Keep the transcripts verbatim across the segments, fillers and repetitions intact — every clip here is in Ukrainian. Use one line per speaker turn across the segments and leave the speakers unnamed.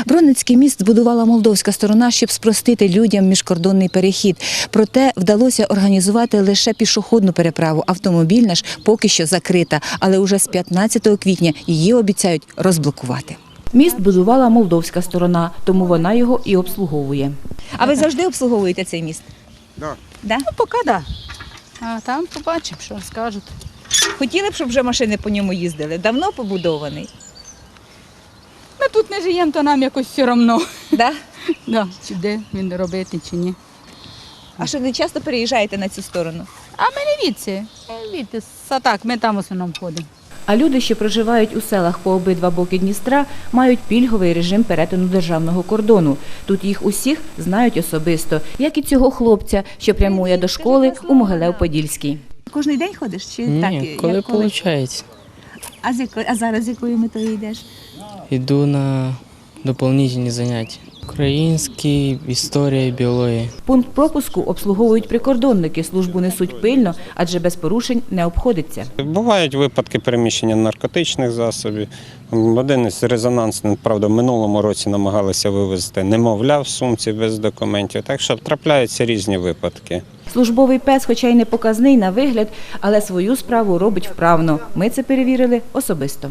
Бронницький міст збудувала молдовська сторона, щоб спростити людям міжкордонний перехід. Проте вдалося організувати лише пішохідну переправу. Автомобільна ж поки що закрита, але уже з п'ятнадцятого квітня її обіцяють розблокувати. Міст будувала молдовська сторона, тому вона його і обслуговує. А ви завжди обслуговуєте цей міст?
Да.
Да?
Ну, поки так. Да. А там побачимо, що скажуть.
Хотіли б, щоб вже машини по ньому їздили? Давно побудований?
Ми тут не живемо, то нам якось все одно.
Да?
Да, чи де він робити, чи ні.
А що, не часто переїжджаєте на цю сторону?
А ми не відси. Відси, так, ми там в основному ходимо.
А люди, що проживають у селах по обидва боки Дністра, мають пільговий режим перетину державного кордону. Тут їх усіх знають особисто, як і цього хлопця, що прямує до школи у Могилев-Подільській. Кожний день ходиш? Чи
Ні,
так?
коли
як
виходить.
А, з якої- а зараз з якою метою йдеш?
Йду на доповнительні заняття. Український, історія, біологія.
Пункт пропуску обслуговують прикордонники, службу несуть пильно, адже без порушень не обходиться.
Бувають випадки переміщення наркотичних засобів. Один із резонансних, правда, в минулому році намагалися вивезти немовля в сумці без документів, так що трапляються різні випадки.
Службовий пес, хоча й не показний на вигляд, але свою справу робить вправно. Ми це перевірили особисто.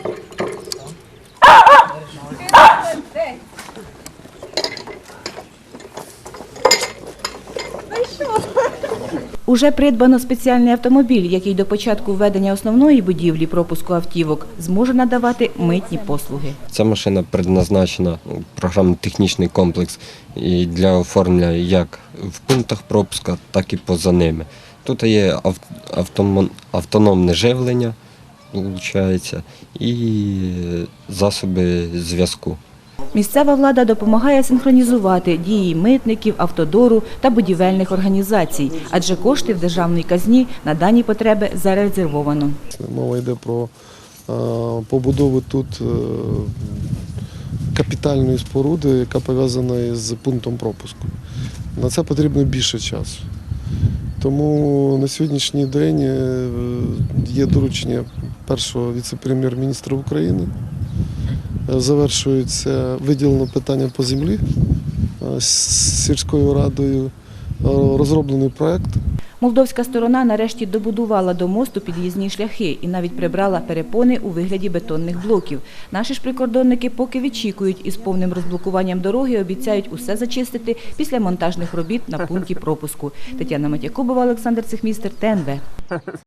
Уже придбано спеціальний автомобіль, який до початку введення основної будівлі пропуску автівок зможе надавати митні послуги.
Ця машина предназначена, програмно-технічний комплекс, і для оформлення як в пунктах пропуска, так і поза ними. Тут є автономне живлення, виходить, і засоби зв'язку.
Місцева влада допомагає синхронізувати дії митників, автодору та будівельних організацій, адже кошти в державній казні на дані потреби зарезервовано.
Мова йде про е, побудову тут е, капітальної споруди, яка пов'язана з пунктом пропуску. На це потрібно більше часу. Тому на сьогоднішній день е, є доручення першого віце-прем'єр-міністра України. Завершується виділено питання по землі з сільською радою, розроблений проєкт.
Молдовська сторона нарешті добудувала до мосту під'їзні шляхи і навіть прибрала перепони у вигляді бетонних блоків. Наші ж прикордонники поки відчікують і з повним розблокуванням дороги обіцяють усе зачистити після монтажних робіт на пункті пропуску. Тетяна Матякубова, Олександр Цехмістер, ТНВ.